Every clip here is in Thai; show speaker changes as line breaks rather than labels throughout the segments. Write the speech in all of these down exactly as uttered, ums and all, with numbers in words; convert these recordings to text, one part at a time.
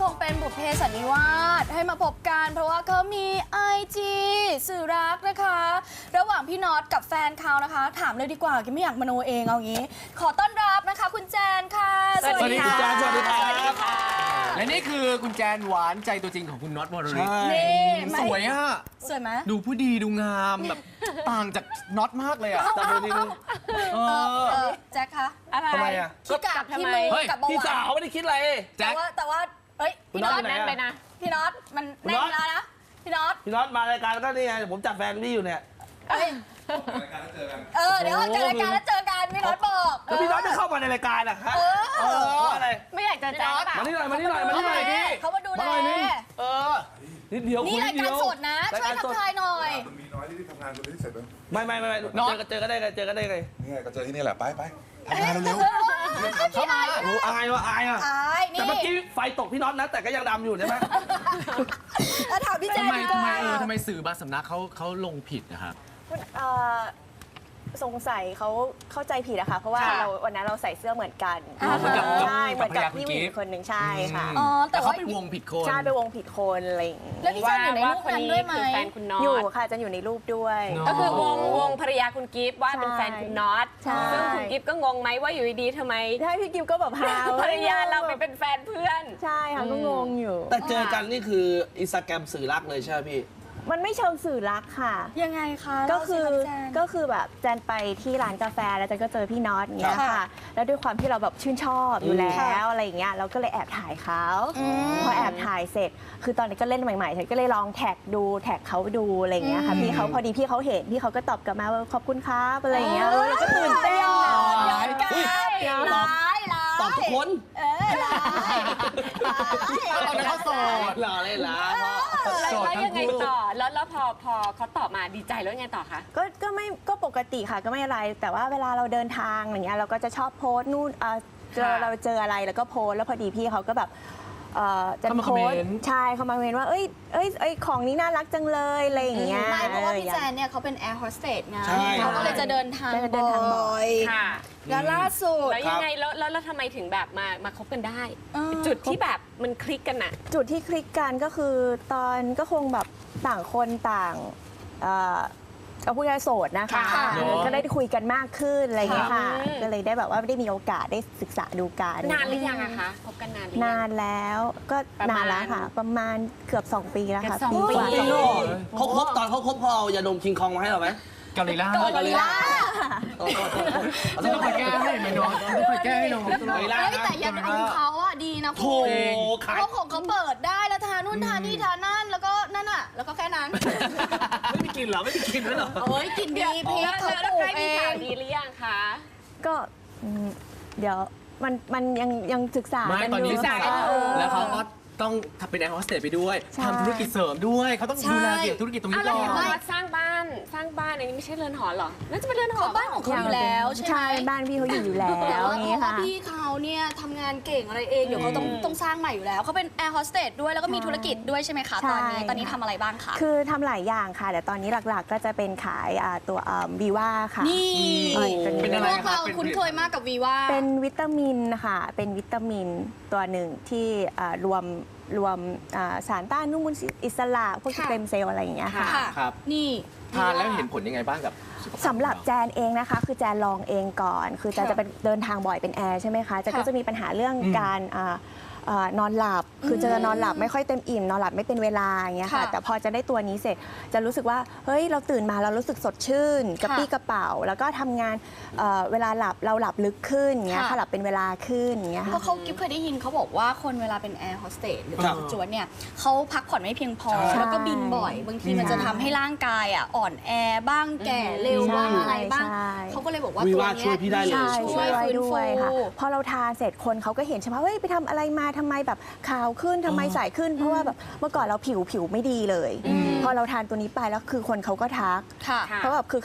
งเป็นบุพเพสันนิวาสให้มาพบกันเพราะว่าเขามี ไอ จี สื่อรักนะคะ ระหว่างพี่น็อตกับแฟนเขานะคะ ถามเลยดีกว่ากินไม่อยากมโนเองเอางี้ ขอต้อนรับนะคะคุณแจนค่ะ
สวัสดีค่ะสวัสดีครับ
สวัสดีค่ะ
และนี่คือคุณแจนหวานใจตัวจริงของคุณน็อตวรริศ
นี่
สวยอ่ะ
สวยไหม
ดูผู้ดีดูงามแบบต่างจากน็อตมากเลยอ่ะแต่ดูนี่ดูเอ
เอ
อ
อแจ็คคะ
อะไร
ทำไมอ่ะ
ขี้กาก
ทำ
ที่
ไม
มือ
เฮ้ย
กับเบา
พี่
ห
สาว
วาน
ไม่ได้คิดอะไร
แจ็
แต่
ค
ว่าแต่ว่าเอ้ยพี่น็อต
คุณน็อต
นั่นไปนะ
พี่น็อตมัน
คุณ
แน่
น็
น
อต
แล้วนะพี่น็อต
พี่น็อตมารายการก็นี่ไงผมจับแฟนพี่อยู่เนี่ย
เอ้ยเออเดี๋ยวเจอรายการแล้วเจอกันพี่น็อตบอก
แล้วพี่น็อตจะเข้ามาในรายการอะฮะ
เอ
เอ
อ
ออะไร
ไม่อยากจะแจ้งเปล่า
มานี่หน่อยมานี่หน่อยมานี่หน่อยดิ
เขามาดูแล
มาหน่อยนี่เออนิดเดียว
นี่
คุย
ราย
นิด
การ
เดียว
สดนะ ช่วยทักทายหน่อย
มันมีน้อยที่ทำงานคนที่เสร็จแล้ว
ไม่ไม่ไม่ไม่
น็อต
เจอกันเจอกันได้ไงเจอกันได้ไง
นี่ไงก็เจอที่นี่แหละ ไปไปทำงานเร็ว
เข้ามา
โอ้อายว่ะอายอ่ะ
อายนี่
แต่เมื่อกี้ไฟตกพี่น็อตนะ แต่ก็ยังดำอยู่ใช่ไหม
แล้วถามพี่แจ๊
ทำไม
ดีก
ทำไม
ว่า
เออทำไมสื่อบางสำนักเขาเขาลงผิดนะครับ
เอ่อสงสัยเขาเข้าใจผิดอะค่ะเพราะว่า
ค่ะ
เราวันนั้นเราใส่เสื้อเหมือนกัน
อ่า
เหมือนกับ
ใช่เหมือนกับ
กับภรรยา
พี่หญิง
คุณกิฟต์
คนหนึ่งใช่ค่ะ
อ๋อแต่
แต่เขา
ว่า
ไปวงผิดคน
ใช่ไปวงผิดคนอะไรอย่างงี้
แล้วพี่แจ๊อยู่ในรูป
คน
นั้น
นี้
ด้วยไหม
คือแฟนคุณน็อต
อยู่ค่ะจะอยู่ในรูปด้วย
เนอะ
ก็คือวงวงภรรยาคุณกิฟต์ว่าเป็นแฟนคุณน็อต
ใช่
ซึ่งคุณกิฟต์ก็งงไหมว่าอยู่ดีๆทำไม
ใช่พี่กิฟก็แบบฮาว
ภรรยาเราไปเป็นแฟนเพื่อน
ใช่ค่ะก็งงอยู่
แต่เจอกันนี่คืออินสตาแกรมสื่อรักเลยใช่ไหมพี่
มันไม่เชิงสื่อรักค่ะ
ยังไงคะ
ก็คือ
เล่าสิรับแจน
ก็คือแบบแจนไปที่ร้านกาแฟแล้วแจนก็เจอพี่น็อตอย่างเงี้ย
ค่ะ
ค่ะ แล้วด้วยความที่เราแบบชื่นชอบอยู่แล้
ค่ะ
วอะไรอย่างเงี้ยเราก็เลยแอบถ่ายเขา
อืม
พอแอบถ่ายเสร็จ คือตอนนี้ก็เล่นใหม่ๆฉันก็เลยลองแท็กดูแท็กเขาดูอะไรอย่างเงี้ยค่ะ
อืม
พี่เขาพอดีพี่เขาเห็นพี่เขาก็ตอบกลับมาว่าขอบคุณครับอะไรอย่างเงี้ยเออเราก็ตื่นเต้นอะ
ยอมกัน
อุ๊ย
ร้ายร้าย
ตอบทุกคน
เออร้ายร้าย
ตอนนั้นเขาโสด
หล่อเลยล่ะ
แล้ว
โสด
แล้ว
ทั้ง
ยังไง
คู่
ต่อ แล้วแล้วพอพอเขาตอบมาดีใจแล้วยังไงต่อคะ
ก็ก็ไม่ก็ปกติค่ะก็ไม่อะไร แต่ว่าเวลาเราเดินทางอย่างเงี้ยเราก็จะชอบโพสต์นู่นเอ่อเจอ
ค่ะ
เราเจออะไรแล้วก็โพสต์แล้วพอดีพี่เขาก็แบบเอ่อจะ
เข้ามา
โพสต์
คอมเมนต์
ใช่เขามาเมนว่าเอ้ยเอ้ยเอ้ยของนี้น่ารักจังเลยอะไรอย่างเงี้ย
ไม่เพราะว่าพี่แจนเนี่ยเขาเป็นแอร์โฮสเตสไง
ใช่
เขาก็เลยจะเดินทาง
จะเดินทางบ่
บ่
อ
อย ย
ค่ะ
แล้วล่าสุด
แล้วยังไงแล้วแล้วแล้วทำไมถึงแบบมามาคบกันได้
เออ
จุดที่แบบมันคลิกกันอะ
จุดที่คลิกกันก็คือตอนก็คงแบบต่างคนต่างเอ่อเอาพูดง่ายๆโสดนะคะ
ค่ะ
เออก็ได้คุยกันมากขึ้นอะไรอย่างเงี้ยค่ะ
อืม
ก็เลยได้แบบว่าได้มีโอกาสได้ศึกษาดูกัน
นานหรือยังอะคะคบกันนานหรือยัง
นานแล้วก็
ประมาณ
นานแล้วค่ะ ประมาณเกือบ 2 ปีแล้วค่ะ
เกือบสองปี
กว่า
จริงเหรอเขาคบตอนเขาคบเขาเอายาดมคิงคองมาให้เราไหม
เกาหลีล่า
เกาหลีล่า
โอ้โห
จะต้องไปแก้ให้ไหมน้องต้องไปแก้ให้น้อง
เกาหลีล่า
เฮ้ย
นะ
แต่ยาดมเขาอะดีนะ
โถ
คุณ
ขาย
เขาของเขาเปิดได้แล้วทานู่นทานี่ทานั่นแล้วก็นั่นอะแล้วก็แค่นั้น
ไม่มีกลินเหรอไม่มีกลินด้วยเหรอ
โอ้ยกินดีพี
แล้ว
เขา
แล้ว
ป
แล้ว
ลูก
ใกล้
เอ
มีข่าว
ง
ดีหรือยังคะ
ก็อืมเดี๋ยวมันมันยังยังศึกษา
ไม่
กัน
ตอน
อยู่
นี้
ศึกษากันอยู่
แล้วเขาก็ต้องทำเป็นแอร์โฮสเตสไปด้วย
ใช่
ทำธุรกิจเสริมด้วยเขาต้องดูแลเกี่ยวกับธุรกิจตรง
อ้า
นี้
วแล้ว
ก่อ
เห็น
น
ว่าสร้างบ้านสร้างบ้านอันนี้ไม่ใช่เรือนหอเหรอน่าจะเป็นเรือนหอ
เขาบ้านของเขาอยู่แล้วใช่ไหม
ใช่บ้านพี่เขาอยู่อยู่แล้
แต่
ว
ว่า
อย่าง
เพ
งี้
ราะว่า
ค่ะ
พี่เขาเนี่ยทำงานเก่งอะไรเองเดี๋ยวเขาต้องต้องสร้างใหม่อยู่แล้วเขาเป็นแอร์โฮสเตสด้วยแล้วก็มีธุรกิจด้วยใช่ไหมคะตอนนี้
ใช่
ตอนนี้ทำอะไรบ้างคะ
คือทำหลายอย่างค่ะ แต่ตอนนี้หลักๆ ก็จะเป็นขายอ่าตัวบีว่าค่ะ
นี่
เอ้ยเป็น
เป็นอะไร
พวก
ครับ
เรา
เป็น
คุ้นเคยมากกับวีว่า
เป็นวิตามินค่ะ เป็นวิตามินตัวหนึ่งที่อ่ารวมรวมอ่าสารต้านอนุมูลอิสระพวกส
ค่ะ
เต็มเซลล์อะไรอย่างเงี้ยค่ะ
ค่ะ
ครับ
นี่
ทานแล้วเห็นผลยังไงบ้างกับสุขภาพ
สำหรับแจนเองนะคะ คือแจนลองเองก่อน คือแจน
ค่ะ
จะเป็นเดินทางบ่อยเป็นแอร์ใช่ไหมคะแจนก็
ค่ะ
จะมีปัญหาเรื่อง
อืม
การอ่าอ่านอนหลับ คือจะนอนหลับไม่ค่อยเต็มอิ่มนอนหลับไม่เป็นเวลาอย่างเงี้ยค่ะ
ค่ะ
แต่พอจะได้ตัวนี้เสร็จจะรู้สึกว่าเฮ้ยเราตื่นมาเรารู้สึกสดชื่นกระปี้กระเป๋า แล้วก็ทำงานเอ่อเวลาหลับเราหลับลึกขึ้นอย่างเงี้ย
ค่ะ
ค่ะหลับเป็นเวลาขึ้นอย่างเงี้ย
เพ
ค่ะ
ราะเขากิ๊บเคยได้ยินเขาบอกว่าคนเวลาเป็นแอร์โฮสเตสหรือ
ครับ
จวนเนี่ยเขาพักผ่อนไม่เพียงพอ
ใช่
แล้วก็บินบ่อย บางทีมันจะทำให้ร่างกายอ่ะอ่อนแอบ้างแก่เร็ว
ใช่
บ้างอะไรบ้าง
ใช่
เขาก็เลยบอกว่า
วี
ตัว
ว่า
เนี้
ช่วยพี่ได้เลย
ใช่
ช่
ช่
ว
วยยไว้
ฟื้น
ด้วย
ฟู
ค่ะพอเราทานเสร็จคนเขาก็เห็นใช่ไหมเฮ้ยไปทำอะไรมาทำไมแบบขาวขึ้นทำไมใสขึ้น เพราะว่าแบบเมื่อก่อนเราผิวผิวไม่ดีเลย พอเราทานตัวนี้ไปแล้วคือคนเขาก็ทัก
ค่ะ
ค่ะ
เพราะแบบคือเขา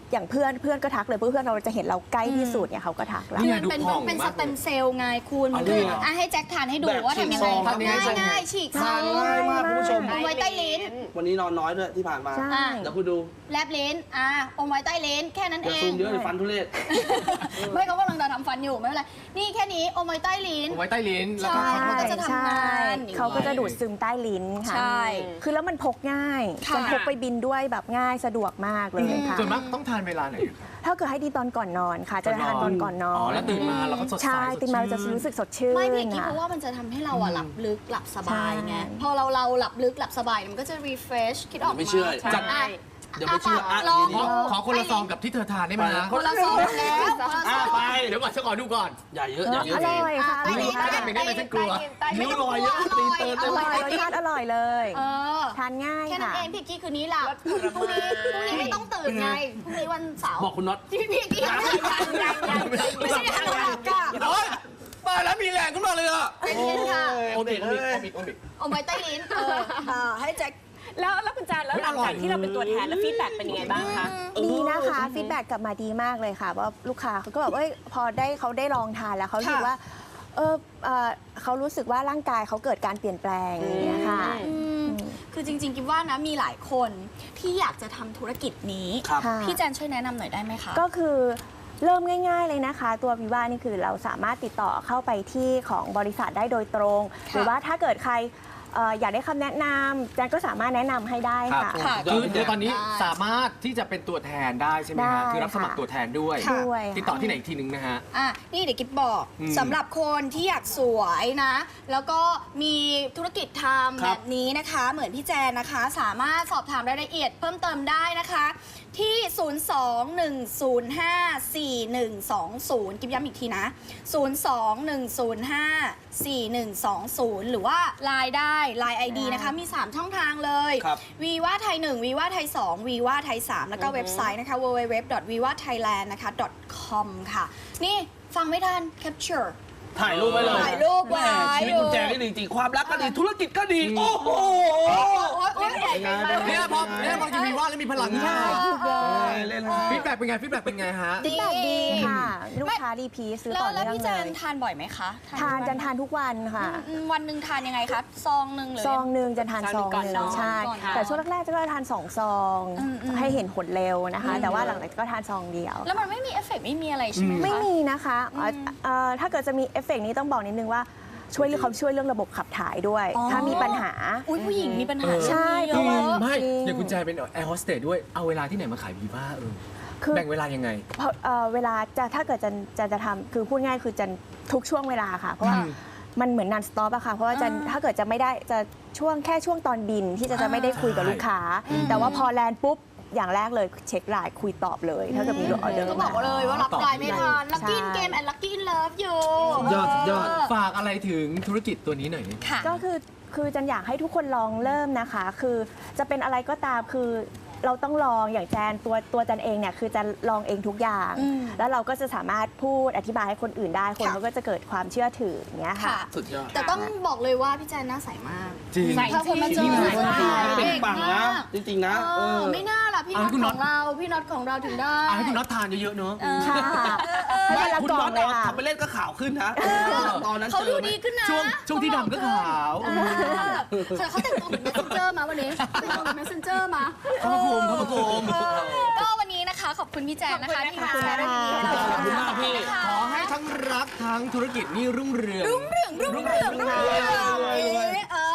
อย่างเพื่อนเพื่อนก็ทักเลยเพื่อนเราจะเห็นเราใกล้ที่สุดเนี่ยเขาก็ทักเรา
คือมันเป็นต้องเป็นสเต็มเซลล์ไงคุณมันคืออ่ะให้แจ็คทานให้ดูว่าทำยังไงง่ายง่ายๆฉีกซ
ทา
อน ง
ง่ายมากคุณผู้ชม
อมไว้ใต้ลิ้น
วันนี้นอนน้อยด้วยที่ผ่านมา
ใช่
เดี๋ยวคุณดู
แลบลิ้นอ่ะอมไว้ใต้ลิ้นแค่นั้น
เดี๋
เอ
ยวซู
ง
มเยอะเลยฟันทุเรศ
ไม่เขากำลังจะทำฟันอยู่ไม่เป็นไรนี่แค่นี้อมไว้ใต้ลิ้น
เอาไว้ใต้ลิ้นแล้วก็
ใช่
เขาก็จะ
จะทำงานอย่างนี้
เขาก็จะดูดซึมใต้ลิ้นค่ะ
ใช่
คือแล้วมันพกง่าย
ค่ะ
จะพกไปบินด้วยแบบง่ายสะดวกมากเลยค่ะ
ส่วนมากต้องทานเวลาไหนครับ
ถ้าเกิดให้ดีตอนก่อนนอนค่ะ จะทานตอนก่อนนอ
อ๋อน แล้วตื่นมาเราก็สดใส
ใช่ตื่นมาเราจะรู้สึกสดชื่น
ไม่เพียงที่
ค่ะ
เพราะว่ามันจะทำให้เราอะหลับลึกหลับสบายไง
ใช่
พอเราเราหลับลึกหลับสบายมันก็จะ refresh คิดออก
ไม่เชื่อ
จัดอ่ะ
เดี๋ยวไม่เชื่ออ่ะ
ลอง
ขอขอคนละซองกับที่เธอทานได้ไหมฮะ
คนละซองแล้วคนละซ
อ่ะ
อง
ไป
เดี๋ยวก่อนฉันขอดูก่อน
อย่าเยอะอย่าเยอะ
อร่อยค่ะ
ใต้ลิ้น
อ
ถ้า
ร่อย
เป็นได้ไหมฉันกลัว
นิ้วลอยเยอะตีนเติน
อ
อ
ร่
ร่อยรสชาติอร่อยเลย
เออ
ทานง่าย
แค่นั้น
ค่ะ
เองพี่กี้คืนนี้หลับพรุ่งนี้พรุ่งนี้ไม่ต้องตื่นไงพรุ่งนี้วันเสาร์
บอกคุณน็อต
พี่พี่กี้ยังไม่ไม่ใช่ฮัลโหลหลับค่ะ
โอ๊ยมาแล้วมีแรงขึ้นมาเลยอ่ะ
เป็นเย็นค่ะ
โอมิกโอมิกโอมิกโอมิก
เอาไว้ใต้ลิ้นเออเออให้แจ็ค
แล้วแล้วคุณแจนแล้วหลังจากที่เราเป็นตัวแทนแล้วฟีดแบ็กเป็นยังไงบ้างคะ
ดีนะคะฟีดแบ็กกลับมาดีมากเลยค่ะว่าลูกค้าเขาก็แบบเอ้ยพอได้เขาได้ลองทานแล้วเขารู้สึกว่าเออเอ่อเขารู้สึกว่าร่างกายเขาเกิดการเปลี่ยนแปลงอย่างเงี้ยค่ะ
อืมคือจริงๆคิดว่านะมีหลายคนที่อยากจะทำธุรกิจนี้
ครับ
ค่ะ
พี่แจนช่วยแนะนำหน่อยได้ไหมคะ
ก็คือเริ่มง่าย ๆเลยนะคะ ตัววิว่านี่คือเราสามารถติดต่อเข้าไปที่ของบริษัทได้โดยตรง หรือว่าถ้าเกิดใครเอ่ออยากได้คำแนะนำแจนก็สามารถแนะนำให้ได้
ครับ
ค่ะ
ค่ะ
คือคือตอนนี้
ได้
สามารถที่จะเป็นตัวแทนได้ใช่ไหม
ได้
ฮะคือรับสมัครตัวแทนด้วย
ค่ะด้วยค่ะ
ติดต่อที่ไหนอีกทีนึงนะฮะ
อ่ะนี่เดี๋ยวกิ๊บบอก
อืม
สำหรับคนที่อยากสวยนะ แล้วก็มีธุรกิจทำ
ครั
แบบ บนี้นะคะ เหมือนพี่แจนนะคะ สามารถสอบถามรายละเอียดเพิ่มเติมได้นะคะ ที่ ศูนย์ สอง หนึ่ง ศูนย์ ห้า สี่ หนึ่ง สอง ศูนย์ กิ๊บย้ำอีกทีนะ ศูนย์ สอง หนึ่ง ศูนย์ ห้า สี่ หนึ่ง สอง ศูนย์ หรือว่า ไลน์ ได้ ไลน์ ไอ ดี นะคะ มี สาม ช่องทางเลย
ครับ
วีว่าไทยหนึ่งวีว่าไทยสองวีว่าไทยสามแล้วก็เว็บไซต์นะคะ ดับเบิลยู ดับเบิลยู ดับเบิลยู ดอท วีว่าไทยแลนด์ นะคะ .com ค่ะ นี่ฟังไม่ทัน capture
ถ่ายรูปไว้เลย
ถ่ายรูปไว้
แม่ชีวิตคุณแจนี่ดีจริงๆความรักก็ดีธุรกิจก็ดี โอ้โห
โอ๊ยโอ๊ย
เนี่ยพอเนี่ยพอจะมีว่าแล้วมีพลังขึ้นมา
เออ
เล่น
ฟีดแบ็กเป็นไงฟีดแบ็กเป็นไงฮะ
ดี
แบบดีค่ะ ลูกค้ารีพีทซื้อ
แล้ว
ต่อ
แล้ว
เนื่อง
พี่แจ
เล
น
ย
ทานบ่อยไหมคะ
ทานจันทานทุกวันค่ะ
อืมวันหนึ่งทานยังไงคะซองหนึ่งหรือ
ซองหนึ่งจะทานซองหนึ่ง
ซองหนึ่งก่อนนอน
ใช่
ก่อนนอน
แต่ช่วงแรกๆจะก็ทานสองซอง
อืมอืม
ให้เห็นผลเร็วนะคะ แต่ว่าหลังๆก็ทานซองเดียว
แล้วมันไม่มีเอฟเฟกต์ไม่มีอะไรใช่ไหมคะ
ไม่มีนะคะเอ่อเอ่อถ้าเกิดจะมีเอฟเฟกต์นี้ต้องบอกนิดนึงว่าช่วยเรื่องเขาช่วยเรื่องระบบขับถ่ายด้วย
อ๋อ
ถ้ามีปัญหา
อุ้ยผู้หญิงมีปัญหา
ใช่
เรื่องนี้เยอะ
ไม่
จริง
อย่างคุณแจเป็นแอร์โฮสเตสด้วยเอาเวลาที่ไหนมาขายวีว่าเออ
คือ
แบ่งเวลายังไง
เพราะเอ่อเวลาจะถ้าเกิดจะจะจะทำคือพูดง่ายคือจะทุกช่วงเวลาค่ะ เพราะว่า
อืม
มันเหมือนนันสต็อปอะค่ะ เพราะว่าจะ
อ่า
ถ้าเกิดจะไม่ได้จะช่วงแค่ช่วงตอนบินที่จะจะไม่ได้คุยกับ
ใช่
ลูกค้า แต่ว่าพอแลนด์ปุ๊บอย่างแรกเลยเช็คไลน์คุยตอบเลยถ้าเกิดมีออเดอร์
ก็บอก
มา
เลยว่ารับไลน์ไม่ทันลักกี้เกมแอนลักกี้เลิฟอยู่
ยอดยอด
ฝากอะไรถึงธุรกิจตัวนี้หน่อย
ค่ะ
ก็คือคือจันอยากให้ทุกคนลองเริ่มนะคะ คือจะเป็นอะไรก็ตามคือเราต้องลองอย่างแจนตัวตัวจันเองเนี่ยคือจะลองเองทุกอย่าง
อืม
แล้วเราก็จะสามารถพูดอธิบายให้คนอื่นได้คน
ค่ะ
เขาก็จะเกิดความเชื่อถืออย่างเงี้ยค่ะ
ค่ะ
สุดยอด
แต่ต้องบอกเลยว่าพี่แจนหน้าใสมาก
จริง
ใส่
ถ้าคนมาเจอ
จริง
ใส่มาก
เป็น
เด็ก
ปัง
มา
นะ
ก
จริงๆนะ
เอ
เอ
อ
อ
ไม่น่าล่ะพี่
อ่ะ
น็อต
คุณน็
ข
อต
องเราพี่น็อตของเราถึงได้
อ่ะให้คุณน็อตทานเยอะๆเนอะ
เออ
ค่ะให้
ไม่
วันละ
คุณ
กล่อ
น็อง ต
เลยค่ะ
ทำไปเล่นก็ข่าวขึ้นนะ ตอนนั้น
เขา
เจ
ดู
อไหม
ดีขึ้นนะ
ช่วงช่วงที่ดำก็ขาว
เออเขาเขาแต่งตัวเหมือน messenger มาวันนี้แต่งตัวเหมือน messenger มา
ขอบคุณครับผม
เออก็วันนี้นะคะ ขอบคุณพี่แจนนะคะที่มา
ขอบคุณ
แชร์เรื่องดีๆให้เรา
ขอบคุณมากพี่
ขอให้ทั้งรักทั้งธุรกิจนี่รุ่งเรือง
รุ่งเรืองรุ่งเรืองรุ่งเรืองเออ